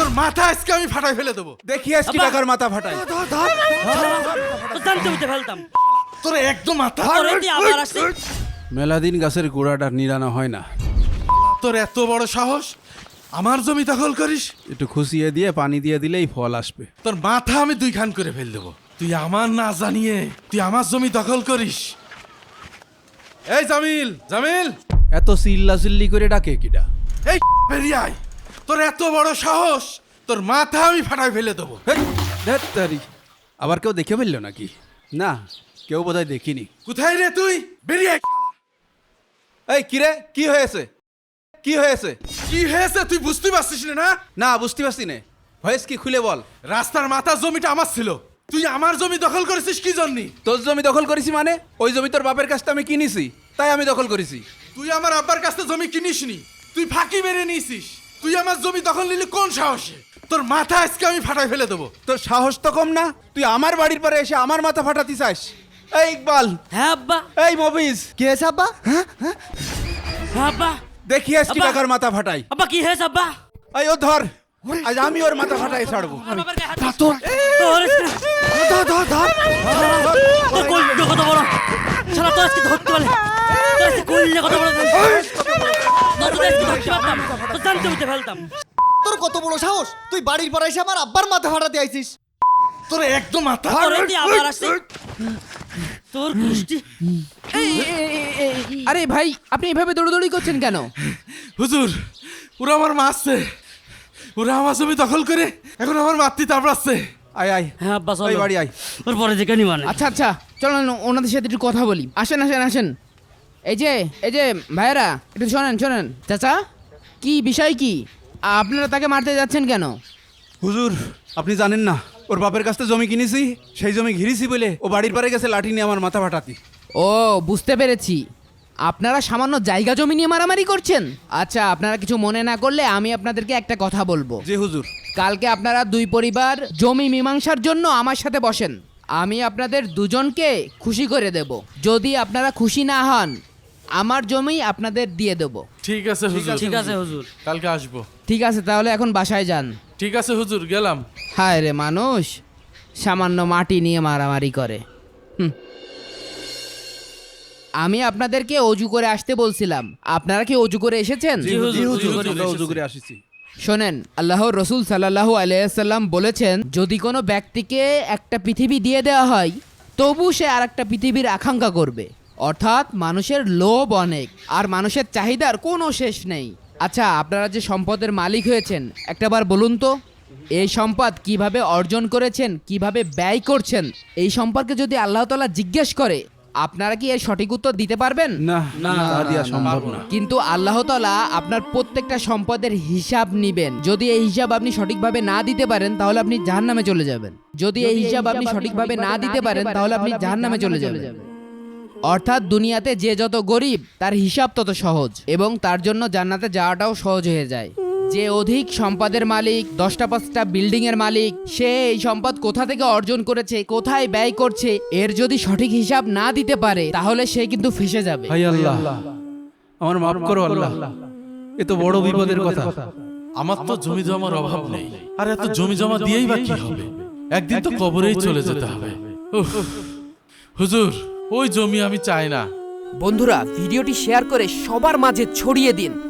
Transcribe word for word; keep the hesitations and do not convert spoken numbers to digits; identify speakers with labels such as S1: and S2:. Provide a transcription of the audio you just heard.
S1: মাথা আজকে আমি ফাটাই ফেলে দেবো।
S2: দেখি আজকে টাকার মাথা ফাটাই।
S3: জানতে হইতে ফেলতাম
S1: তোর একদম মাথা।
S3: তোরে দিয়ে আবার আসছে।
S2: মেলাদিন গাছের গোড়াটা নিরানো হয় না।
S1: তোর এত বড় সাহস আমার জমি দখল করিস?
S2: একটু খুশিয়ে দিয়ে পানি দিয়ে দিলেই ফল আসবে।
S1: তোর মাথা আমি দুই খান করে ফেল দেবো। তুই আমার না জানিয়ে তুই আমার জমি দখল করিস। এই জামিল, জামিল,
S2: এত চিল্লা চিল্লি করে ডাকে কিডা?
S1: এই বেরিয়ে আয়। তোর এত বড় সাহস, তোর মাথা আমি ফাটাই ফেলে দেবো।
S2: হেৎ, ধ্যাৎ তারি। আবার কেউ দেখে ফেললো নাকি? না, কেউ বোধহয় দেখিনি।
S1: কোথায় রে তুই? বেরিয়ে আয়।
S2: এই কিরে, কি হয়েছে? কি হয়েছে?
S1: কি হয়েছে তুই বুঝতে পারছিস না?
S2: না, বুঝতে পারছি না। ভয়েস কি খুলে বল।
S1: রাস্তার মাথার জমিটা আমার ছিল, তুই আমার জমি দখল করেছিস কি জন্য?
S2: তোর জমি দখল করেছি মানে? ওই জমি তোর বাপের কাছ থেকে আমি কিনেছি, তাই আমি দখল করেছি।
S1: তুই আমার আব্বার কাছ থেকে জমি কিনিসনি, তুই ফাঁকি মেরে নিয়েছিস। তুই আমার জমি দখল নিলি কোন সাহসে? তোর মাথা আজকে আমি ফাটাই ফেলে দেবো।
S2: তোর সাহস তো কম না, তুই আমার বাড়ির পরে এসে আমার মাথা ফাটাতে চাস? এই ইকবাল,
S3: হ্যাঁ আব্বা,
S2: এই মবিজ,
S4: কে হয়েছে আব্বা?
S3: হ্যাঁ আব্বা,
S2: দেখি আজকে
S3: আব্বা।
S2: টাকার মাথা ফাটাই।
S3: আব্বা কি হয়েছে আব্বা?
S2: এই ও ধর, আজ আমি ওর মাথা ফাটাই ছাড়বো।
S3: আমার বাবার গায়ে হাত
S4: ধর,
S3: দিস। তোর আজকে-
S4: ধর ধর ধর
S3: তোর কলটা কত বড়! শালা তোর আজকে ধরতে পারলে, তোর আজকে কলটা কত বড়! নতুন আজকে ধরতে পারতাম, তোর জানতে হইতে ফেলতাম।
S4: তোর কত বড় সাহস, তুই বাড়ির পর এসে আমার আব্বার মাথা ফাটাতে আইছিস?
S1: তোর একদম মাথা।
S3: তোরে দিয়ে আবার আসছে। তোর গোষ্ঠী।
S5: আরে ভাই, আপনি এভাবে দৌড়দৌড়ি করছেন কেন?
S1: হুজুর, ওরা আমার মারছে। ওরা আমার জমি দখল করে এখন আমার মাতৃ তাপড়াচ্ছে।
S2: আয় আয়,
S3: হ্যাঁ আব্বা চলো,
S2: ওই বাড়ি আয়।
S3: ওর পরে যে কেনি মানে।
S5: আচ্ছা আচ্ছা, চলেন ওনাদের সাথে একটু কথা বলি। আসেন আসেন আসেন। এই যে এই যে ভাইয়েরা, একটু শোনেন শোনেন। চাচা, কি বিষয় কি? আপনারা তাকে মারতে যাচ্ছেন কেন?
S2: হুজুর, আপনি জানেন না, ওর বাপের কাছ থেকে জমি কিনেছি, সেই জমি ঘিরেছি বলে ও বাড়ির পারে গেছে লাঠি নিয়ে আমার মাথা ফাটাতি।
S5: ও, বুঝতে পেরেছি। আপনারা সামান্য জায়গা জমি নিয়ে মারামারি করছেন। আচ্ছা, আপনারা কিছু মনে না করলে আমি আপনাদেরকে একটা কথা বলবো।
S2: জি হুজুর।
S5: কালকে আপনারা দুই পরিবার জমি মীমাংসার জন্য আমার সাথে বসেন। আমি আপনাদের দুজনকে খুশি করে দেব। যদি আপনারা খুশি না হন, আমার জমি আপনাদের দিয়ে দেব।
S1: ঠিক আছে হুজুর,
S3: ঠিক আছে হুজুর।
S1: কালকে আসবো।
S5: ঠিক আছে, তাহলে এখন বাসায় যান।
S1: ঠিক আছে হুজুর, গেলাম।
S5: হায় রে মানুষ, সামান্য মাটি নিয়ে মারামারি করে। হুম। আমি আপনাদেরকে অজু করে আসতে বলছিলাম, আপনারা কি অজু করে এসেছেন?
S2: জি হুজুর,
S1: জি,
S2: হুজুর,
S1: হুজুর,
S2: আমরা
S1: এসেছি।
S2: উজু করে আসিছি।
S5: শোনেন, আল্লাহর রসুল সাল্লাল্লাহু আলাইহি সাল্লাম বলেছেন, যদি কোনো ব্যক্তিকে একটা পৃথিবী দিয়ে দেওয়া হয়, তবু সে আর একটা পৃথিবীর আকাঙ্ক্ষা করবে। অর্থাৎ মানুষের লোভ অনেক, আর মানুষের চাহিদার কোনো শেষ নেই। আচ্ছা, আপনারা যে সম্পদের মালিক হয়েছেন, একটাবার বলুন তো, এই সম্পদ কিভাবে অর্জন করেছেন, কিভাবে ব্যয় করছেন, এই সম্পর্কে যদি আল্লাহ তাআলা জিজ্ঞেস করে, আপনারা কি এর সঠিক উত্তর দিতে পারবেন?
S2: না না, তা দিয়া সম্ভব না।
S5: কিন্তু আল্লাহ তাআলা আপনার প্রত্যেকটা সম্পদের হিসাব নিবেন। যদি এই হিসাব আপনি সঠিকভাবে না দিতে পারেন, তাহলে আপনি জাহান্নামে চলে যাবেন। যদি এই হিসাব আপনি সঠিকভাবে না দিতে পারেন, তাহলে আপনি জাহান্নামে চলে যাবেন। অর্থাৎ দুনিয়াতে যে যত গরিব, তার হিসাব তত সহজ, এবং তার জন্য জান্নাতে যাওয়াটাও সহজ হয়ে যায়। যে অধিক সম্পদের মালিক, দশটা পাঁচটা বিল্ডিং এর মালিক, সে এই সম্পদ কোথা থেকে অর্জন করেছে, কোথায় ব্যয় করছে, এর যদি সঠিক হিসাব না দিতে পারে, তাহলে সে কিন্তু ফেঁসে যাবে।
S2: হাই আল্লাহ, আমার মাফ করো আল্লাহ, এ তো বড় বিপদের কথা।
S1: আমার তো জমি জমার অভাব নেই, আর এত জমি জমা দিয়েই বা কি হবে? একদিন তো কবরেই চলে যেতে হবে। উফ, হুজুর, ওই জমি আমি চাই না।
S6: বন্ধুরা, ভিডিওটি শেয়ার করে সবার মাঝে ছড়িয়ে দিন।